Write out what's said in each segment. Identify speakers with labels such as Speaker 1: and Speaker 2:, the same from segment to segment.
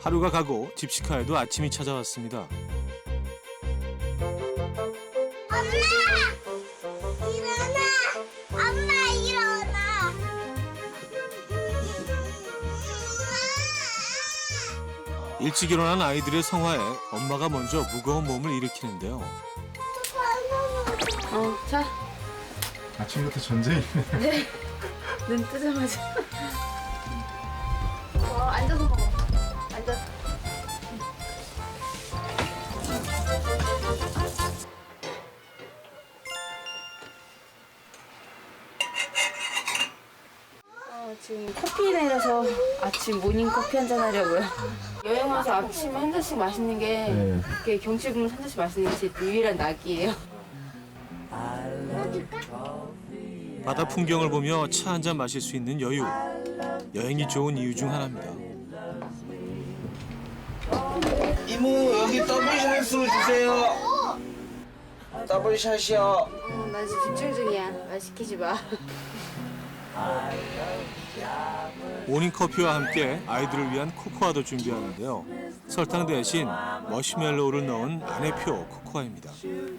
Speaker 1: 하루가 가고 집시카에도 아침이 찾아왔습니다.
Speaker 2: 엄마! 일어나! 엄마 일어나!
Speaker 1: 일찍 일어난 아이들의 성화에 엄마가 먼저 무거운 몸을 일으키는데요.
Speaker 3: 자,
Speaker 4: 아침부터 전쟁이네.
Speaker 3: 네. 눈 뜨자마자. 앉아서 먹어. 앉아서. 지금 커피 내려서 아침 모닝 커피 한잔 하려고요. 여행 와서 아침에 한 잔씩 마시는 게
Speaker 4: 네.
Speaker 3: 이렇게 경치 보면서 한 잔씩 마시는 게 제 유일한 낙이에요.
Speaker 1: 바다 풍경을 보며 차 한 잔 마실 수 있는 여유. 여행이 좋은 이유 중 하나입니다.
Speaker 5: 이모 여기 더블샷으로 주세요. 더블샷이요.
Speaker 3: 나 지금 집중 중이야. 말 시키지 마.
Speaker 1: 모닝커피와 함께 아이들을 위한 코코아도 준비하는데요. 설탕 대신 머시멜로우를 넣은 안내표 코코아입니다.
Speaker 3: 근데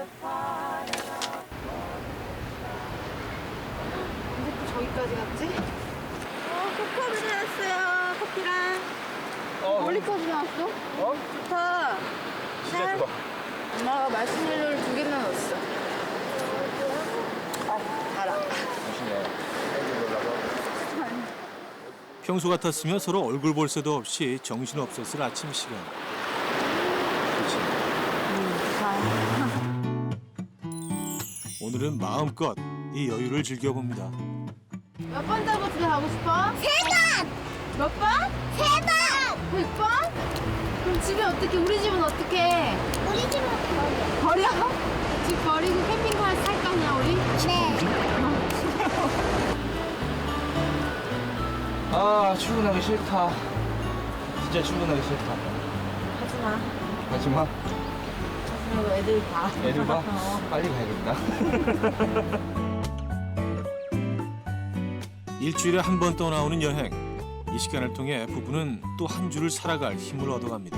Speaker 3: 또 저기까지 갔지? 코코아도 나왔어요. 커피랑. 멀리까지 나왔어? 좋다.
Speaker 4: 진짜 좋아.
Speaker 3: 엄마가 마시멜로를 2개나 넣었어. 달아.
Speaker 4: 맛있네.
Speaker 1: 평소 같았으면 서로 얼굴 볼 새도 없이 정신없었을 아침 시간. 오늘은 마음껏 이 여유를 즐겨봅니다.
Speaker 3: 몇 번 타고 집에 가고 싶어?
Speaker 2: 3번!
Speaker 3: 몇 번?
Speaker 2: 3번!
Speaker 3: 100번? 그럼 집에 어떻게, 우리 집은 어떻게?
Speaker 2: 우리 집은 버려.
Speaker 3: 버려? 집 버리고 캠핑카 살 거냐, 우리?
Speaker 2: 네.
Speaker 5: 아 출근하기 싫다. 진짜 출근하기 싫다.
Speaker 3: 하지마.
Speaker 5: 하지마.
Speaker 3: 그리고 애들 봐.
Speaker 5: 애들 봐. 빨리 가야겠다.
Speaker 1: 일주일에 한 번 떠나오는 여행. 이 시간을 통해 부부는 또 한 주를 살아갈 힘을 얻어갑니다.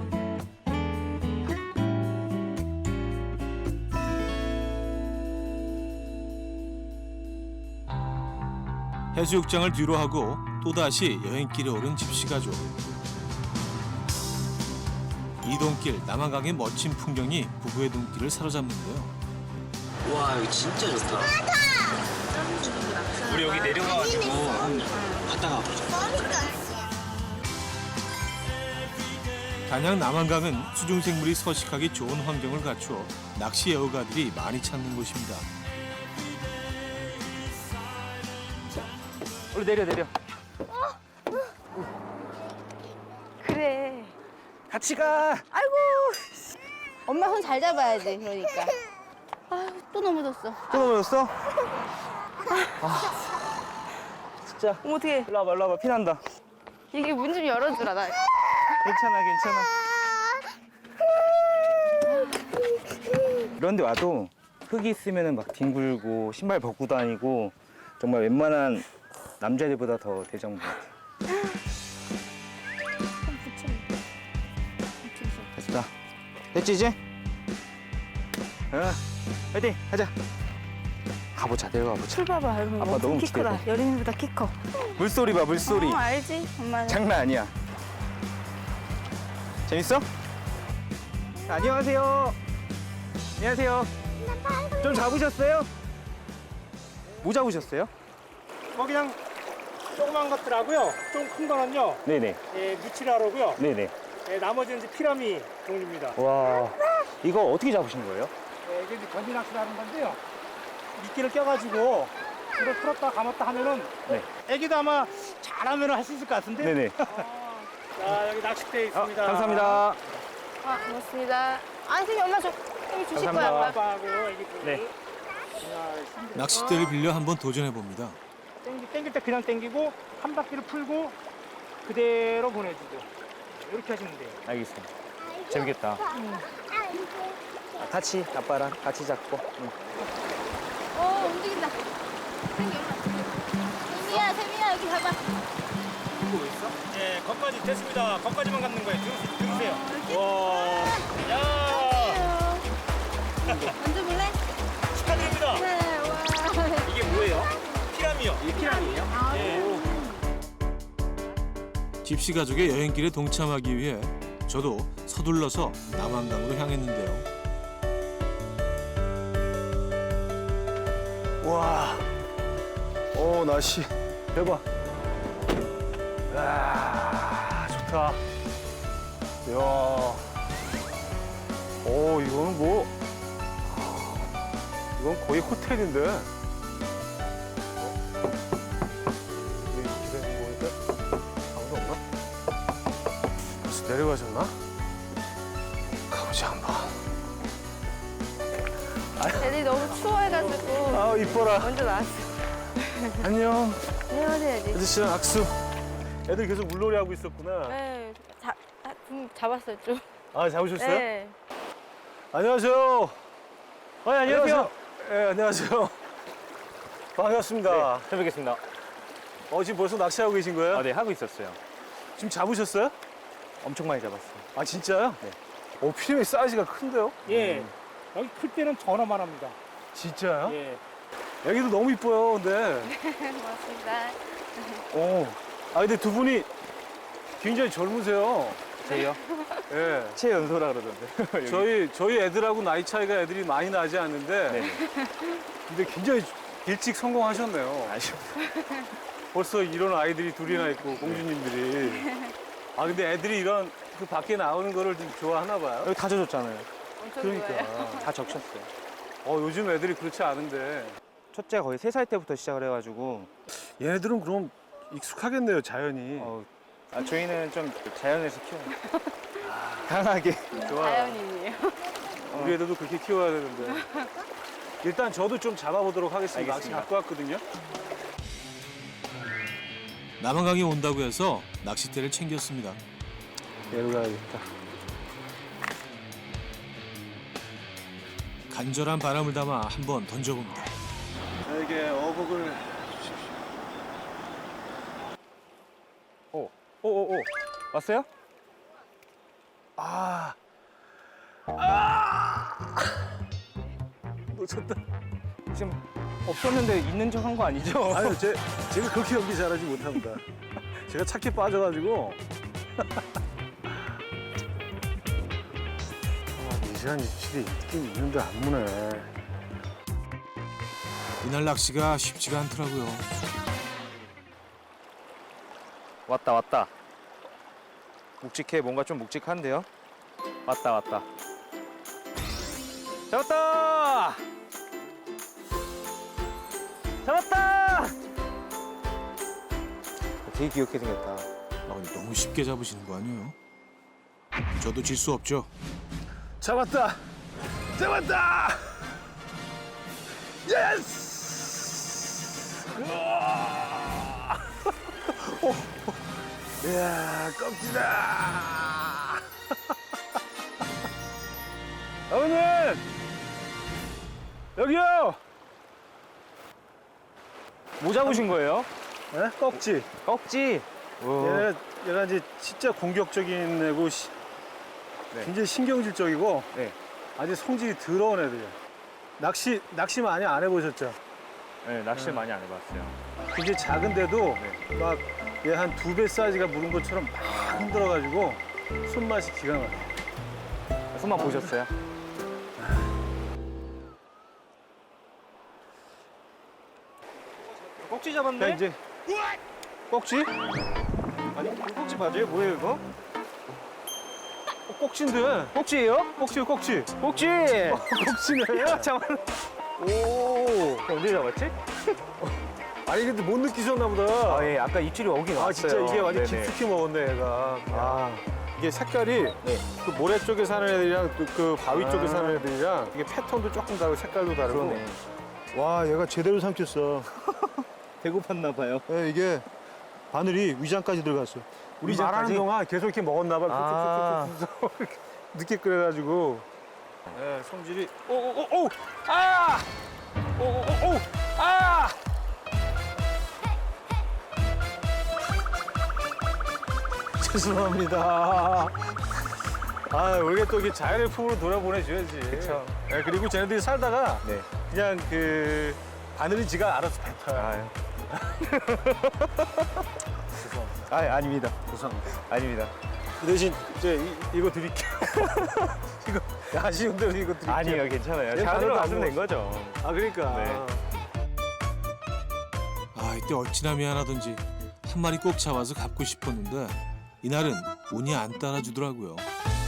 Speaker 1: 해수욕장을 뒤로 하고 또다시 여행길에 오른 집시가족. 이동길 남한강의 멋진 풍경이 부부의 눈길을 사로잡는데요.
Speaker 5: 와 여기 진짜 좋다. 우리 여기 내려가가지고 갔다가 보자.
Speaker 1: 단양 남한강은 수중생물이 서식하기 좋은 환경을 갖추어 낚시 애호가들이 많이 찾는 곳입니다.
Speaker 5: 우리 내려.
Speaker 3: 그래.
Speaker 5: 같이 가.
Speaker 3: 아이고. 엄마 손 잘 잡아야 돼, 그러니까. 아, 또 넘어졌어.
Speaker 5: 또 넘어졌어? 진짜.
Speaker 3: 어머, 어떡해.
Speaker 5: 일로 와봐. 피난다.
Speaker 3: 이게 문 좀 열어주라, 나.
Speaker 5: 괜찮아. 이런 데 와도 흙이 있으면 막 뒹굴고 신발 벗고 다니고 정말 웬만한 남자들보다 더 대정부 같아. 됐다. 됐지 이제? 파이팅 하자. 가보자. 내려가보자.
Speaker 3: 출 봐봐, 여러분.
Speaker 5: 아빠
Speaker 3: 엄청
Speaker 5: 너무
Speaker 3: 키 크다.
Speaker 5: 기대돼.
Speaker 3: 여린이보다 키 커.
Speaker 5: 물소리 봐 물소리.
Speaker 3: 알지? 엄마는.
Speaker 5: 장난 아니야. 재밌어? 안녕하세요. 좀 잡으셨어요? 뭐 잡으셨어요?
Speaker 6: 그냥 조그만 것들하고요. 좀 큰 거는요.
Speaker 5: 네네.
Speaker 6: 예, 무치라로고요.
Speaker 5: 네네.
Speaker 6: 예, 나머지는 이제 피라미 종류입니다.
Speaker 5: 와, 이거 어떻게 잡으신 거예요?
Speaker 6: 예, 이게 이제 건지 낚시라는 건데요. 미끼를 껴가지고 불을 풀었다 감았다 하면은
Speaker 5: 네.
Speaker 6: 애기도 아마 잘하면 할 수 있을 것 같은데.
Speaker 5: 네네.
Speaker 6: 자, 여기 낚싯대 있습니다.
Speaker 5: 감사합니다.
Speaker 3: 아, 고맙습니다. 아, 선생님, 엄마 저 여기 주실 거야,
Speaker 5: 감사합니다.
Speaker 3: 엄마.
Speaker 6: 아빠하고 애기 둘.
Speaker 5: 네.
Speaker 1: 낚싯대를 빌려 한번 도전해 봅니다.
Speaker 6: 땡길 때 그냥 땡기고 한 바퀴를 풀고 그대로 보내주고 이렇게 하시면 돼요.
Speaker 5: 알겠습니다. 재밌겠다. 같이 아빠랑 같이 잡고. 응.
Speaker 3: 움직인다. 세미야, 여기 봐봐.
Speaker 6: 보고 있어? 예, 거기까지 됐습니다. 거기까지만 갖는 거예요. 들으세요. 와, 야,
Speaker 2: 만져볼래?
Speaker 6: 축하드립니다.
Speaker 2: 네, 와.
Speaker 6: 이게 뭐예요? 피라미요. 이게 피라미예요? 예.
Speaker 1: 집시 가족의 여행길에 동참하기 위해 저도 서둘러서 남한강으로 향했는데요.
Speaker 4: 와. 오, 날씨. 대박. 아, 좋다. 이야. 오, 이거는 뭐. 이건 거의 호텔인데. 이렇게 되는 거니까 아무도 없나? 벌써 내려가셨나? 가보자, 한번.
Speaker 3: 애들이 너무 추워해가지고
Speaker 4: 아, 이뻐라.
Speaker 3: 먼저 나왔어.
Speaker 4: 안녕.
Speaker 3: 헤어져야지.
Speaker 4: 아저씨랑 악수. 애들 계속 물놀이 하고 있었구나.
Speaker 3: 네, 잡았어요 좀.
Speaker 4: 아, 잡으셨어요?
Speaker 3: 네.
Speaker 4: 안녕하세요.
Speaker 6: 안녕하세요.
Speaker 4: 네, 안녕하세요. 반갑습니다.
Speaker 6: 잘 뵙겠습니다.
Speaker 4: 지금 벌써 낚시하고 계신 거예요?
Speaker 6: 네, 하고 있었어요.
Speaker 4: 지금 잡으셨어요?
Speaker 6: 엄청 많이 잡았어요.
Speaker 4: 아, 진짜요? 네. 피라미 사이즈가 큰데요?
Speaker 6: 예, 여기 클 때는 전화만 합니다.
Speaker 4: 진짜요?
Speaker 6: 예.
Speaker 4: 여기도 너무 이뻐요, 근데.
Speaker 3: 고맙습니다.
Speaker 4: 근데 두 분이 굉장히 젊으세요.
Speaker 6: 저희요?
Speaker 4: 예.
Speaker 6: 최연소라 그러던데.
Speaker 4: 저희 애들하고 나이 차이가 애들이 많이 나지 않는데.
Speaker 6: 네.
Speaker 4: 근데 굉장히 일찍 성공하셨네요. 벌써 이런 아이들이 둘이나 있고, 공주님들이. 근데 애들이 이런 그 밖에 나오는 거를 좀 좋아하나 봐요.
Speaker 6: 여기 다 젖었잖아요.
Speaker 3: 엄청
Speaker 4: 그러니까.
Speaker 3: 좋아요.
Speaker 6: 다 적셨어요.
Speaker 4: 요즘 애들이 그렇지 않은데.
Speaker 6: 첫째가 거의 3살 때부터 시작을 해가지고
Speaker 4: 얘네들은 그럼 익숙하겠네요, 자연이.
Speaker 6: 저희는 좀 자연에서 키워요. 강하게.
Speaker 4: 좋아요.
Speaker 3: 자연인이에요.
Speaker 4: 우리 애들도 그렇게 키워야 되는데. 일단 저도 좀 잡아보도록 하겠습니다. 낚시
Speaker 6: 알겠습니다.
Speaker 4: 갖고 왔거든요.
Speaker 1: 남한강에 온다고 해서 낚싯대를 챙겼습니다.
Speaker 4: 얘로 가야겠다.
Speaker 1: 간절한 바람을 담아 한번 던져봅니다.
Speaker 4: 저에게 어복을 주십시오.
Speaker 6: 오. 왔어요?
Speaker 4: 놓쳤다.
Speaker 6: 지금 없었는데 있는 척 한 거 아니죠?
Speaker 4: 아유, 제가 그렇게 연기 잘하지 못합니다. 제가 착해 빠져가지고. 미세한 입질이 있긴 있는데 안 무네.
Speaker 1: 이날 낚시가 쉽지가 않더라고요.
Speaker 6: 왔다. 묵직해. 뭔가 좀 묵직한데요? 왔다. 잡았다! 되게 귀엽게 생겼다.
Speaker 1: 근데 너무 쉽게 잡으시는 거 아니에요? 저도 질 수 없죠.
Speaker 4: 잡았다! 예스! 우와! 이야, 껍질아! 어머님! 여기요!
Speaker 6: 뭐 잡으신 거예요?
Speaker 4: 네? 꺽지.
Speaker 6: 꺽지.
Speaker 4: 얘가 이제 진짜 공격적인 애고
Speaker 6: 네.
Speaker 4: 굉장히 신경질적이고
Speaker 6: 네.
Speaker 4: 아주 성질이 더러운 애들이야. 낚시 많이 안 해보셨죠?
Speaker 6: 네, 낚시를 많이 안 해봤어요.
Speaker 4: 굉장히 작은데도 막 얘 한 2배 사이즈가 물은 것처럼 막 흔들어가지고 손맛이 기가 막혀.
Speaker 6: 손만 보셨어요? 꺽지 잡았네?
Speaker 4: 자, 이제 꺽지?
Speaker 6: 아니, 꺽지 맞아요? 뭐예요, 이거?
Speaker 4: 꺽지인데.
Speaker 6: 꺽지예요?
Speaker 4: 꺽지요, 꺽지.
Speaker 6: 꺽지!
Speaker 4: 꺽지네.
Speaker 6: 잠깐만.
Speaker 4: 오.
Speaker 6: 언제 잡았지?
Speaker 4: 아니 근데 못 느끼셨나 보다.
Speaker 6: 예, 아까 입질이 오긴 왔어요.
Speaker 4: 진짜 이게 완전
Speaker 6: 네네.
Speaker 4: 깊숙이 먹었네, 얘가. 이게 색깔이 그 모래 쪽에 사는 애들이랑 또 그 바위 쪽에 사는 애들이랑 이게 패턴도 조금 다르고 색깔도 다르고.
Speaker 6: 그러네.
Speaker 7: 와, 얘가 제대로 삼켰어.
Speaker 6: 배고팠나 봐요.
Speaker 7: 예, 이게 바늘이 위장까지 들어갔어.
Speaker 4: 우리
Speaker 7: 위장까지?
Speaker 4: 말하는 동안 계속 이렇게 먹었나 봐.
Speaker 6: 아.
Speaker 4: 늦게 끓여가지고. 네, 성질이.
Speaker 6: 오오오오! 아! 오오오오! 아!
Speaker 4: 죄송합니다. 아, 우리가 또 이게 자연의 품으로 돌아보내줘야지.
Speaker 5: 그쵸.
Speaker 4: 네, 그리고 쟤네들이 살다가
Speaker 5: 네.
Speaker 4: 그냥 그 바늘이 지가 알아서 뱉어요.
Speaker 5: 아유.
Speaker 4: 죄송합니다.
Speaker 5: 아, 아닙니다.
Speaker 4: 죄송합니다.
Speaker 5: 아닙니다.
Speaker 4: 그 대신 이거 드릴게요. 이거 아쉬운 대로 이거 드릴게요.
Speaker 5: 아니요, 괜찮아요.
Speaker 4: 네,
Speaker 5: 자연으로
Speaker 4: 바늘도 안
Speaker 5: 놔두면 된 거죠.
Speaker 4: 아, 그러니까.
Speaker 5: 네.
Speaker 1: 아, 이때 어찌나 미안하던지 한 마리 꼭 잡아서 갚고 싶었는데 이날은 운이 안 따라주더라고요.